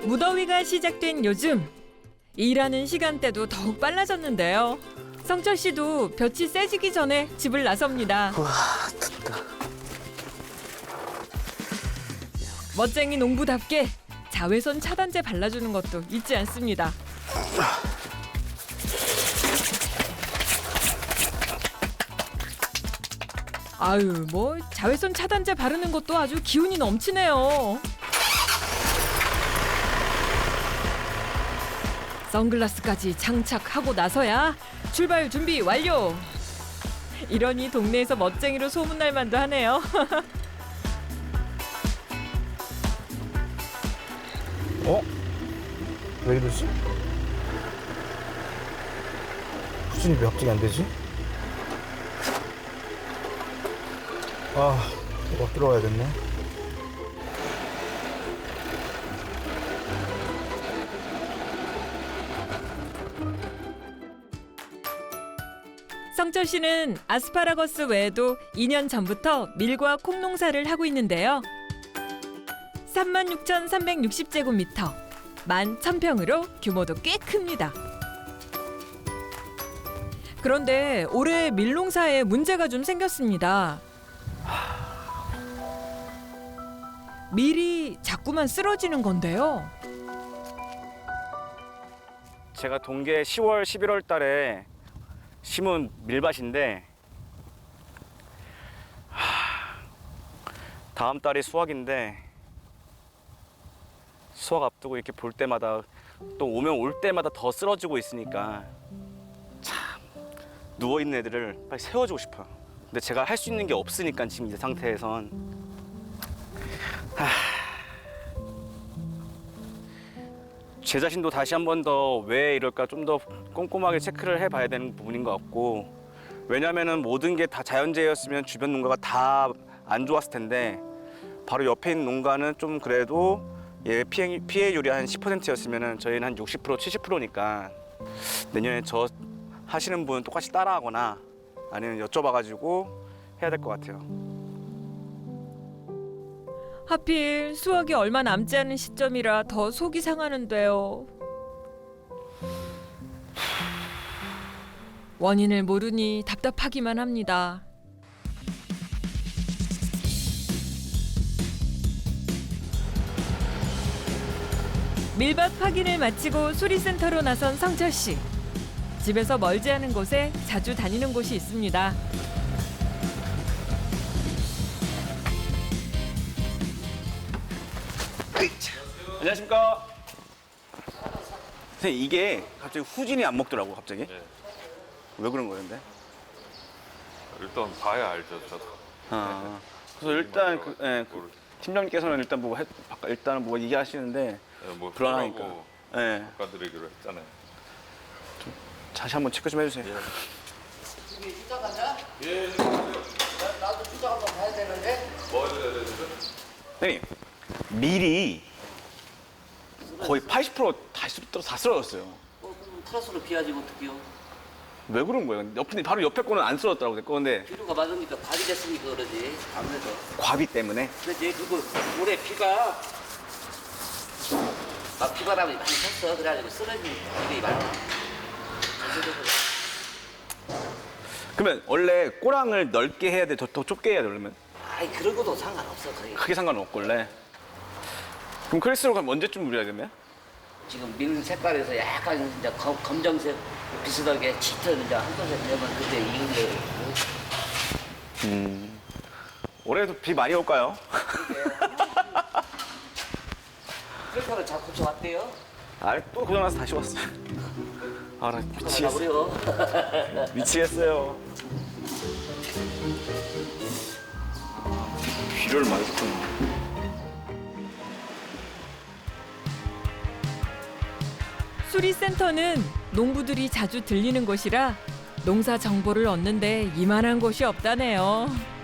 무더위가 시작된 요즘 일하는 시간대도 더욱 빨라졌는데요. 성철 씨도 볕이 세지기 전에 집을 나섭니다. 와, 덥다. 멋쟁이 농부답게 자외선 차단제 발라주는 것도 잊지 않습니다. 아유, 뭐 자외선 차단제 바르는 것도 아주 기운이 넘치네요. 선글라스까지 장착하고 나서야 출발 준비 완료. 이러니 동네에서 멋쟁이로 소문날 만도 하네요. 어? 왜 이러지? 후진이 왜 갑자기 안 되지? 아, 이거 들어가야겠네. 성철 씨는 아스파라거스 외에도 2년 전부터 밀과 콩 농사를 하고 있는데요. 36,360제곱미터, 11,000평으로 규모도 꽤 큽니다. 그런데 올해 밀 농사에 문제가 좀 생겼습니다. 밀이 자꾸만 쓰러지는 건데요. 제가 동계 10월, 11월 달에 심은 밀밭인데 다음 달이 수확인데 수확 앞두고 이렇게 볼 때마다 또 오면 올 때마다 더 쓰러지고 있으니까 참 누워있는 애들을 빨리 세워주고 싶어요. 근데 제가 할 수 있는 게 없으니까 지금 이 상태에선 제 자신도 다시 한 번 더 왜 이럴까 좀 더 꼼꼼하게 체크를 해봐야 되는 부분인 것 같고, 왜냐면은 모든 게 다 자연재해였으면 주변 농가가 다 안 좋았을 텐데 바로 옆에 있는 농가는 좀 그래도 피해율이 한 10%였으면은 저희는 한 60%, 70%니까 내년에 저 하시는 분 똑같이 따라하거나 아니면 여쭤봐가지고 해야 될 것 같아요. 하필 수확이 얼마 남지 않은 시점이라 더 속이 상하는데요. 원인을 모르니 답답하기만 합니다. 밀밭 확인을 마치고 수리센터로 나선 성철 씨. 집에서 멀지 않은 곳에 자주 다니는 곳이 있습니다. 안녕하십니까. 선생님, 이게 갑자기 후진이 안 먹더라고, 갑자기. 네. 왜 그런 거예요, 근데? 일단 봐야 알죠, 저도. 그래서 일단 모르- 팀장님께서는 일단 일단은 뭐 얘기하시는데 네, 뭐 불안하니까. 하고 예. 바꿔드리기로 했잖아요. 다시 한번 체크 좀 해주세요. 출장 간다? 예. 나도 출장 한번 가야 되는데. 뭐 해야 되죠? 선생님, 밀이 거의 80%다 쓰러졌어요. 그럼 트라스로 비하지 어떡해요? 왜 그런 거예요? 바로 옆에 거는 안 쓰러졌더라고, 내 건데. 비료가 맞으니까 과비 됐으니까 그러지. 아무래도. 과비 때문에. 근데 그거 올해 비가 막 비바람이 많이 쳤어. 그래가지고 쓰러진 일이 많아. 전체적으로. 그러면 원래 꼬랑을 넓게 해야 돼? 더 좁게 해야 돼, 그러면? 아이 그런 것도 상관없어 거의. 크게 상관없고, 원래. 그럼 크리스로 가면 언제쯤 우려야 되면? 지금 밀 색깔에서 약간 이제 검정색 비슷하게 짙은 이제 한도색 되면 그때 익은 게. 올해도 비 많이 올까요? 트랙터를 자꾸 좋았대요. 또 고장나서 다시 왔어요. 아, 나 미치겠어요. 가버려. 미치겠어요. 비료를 많이 줬구나. 수리센터는 농부들이 자주 들리는 곳이라 농사 정보를 얻는데 이만한 곳이 없다네요.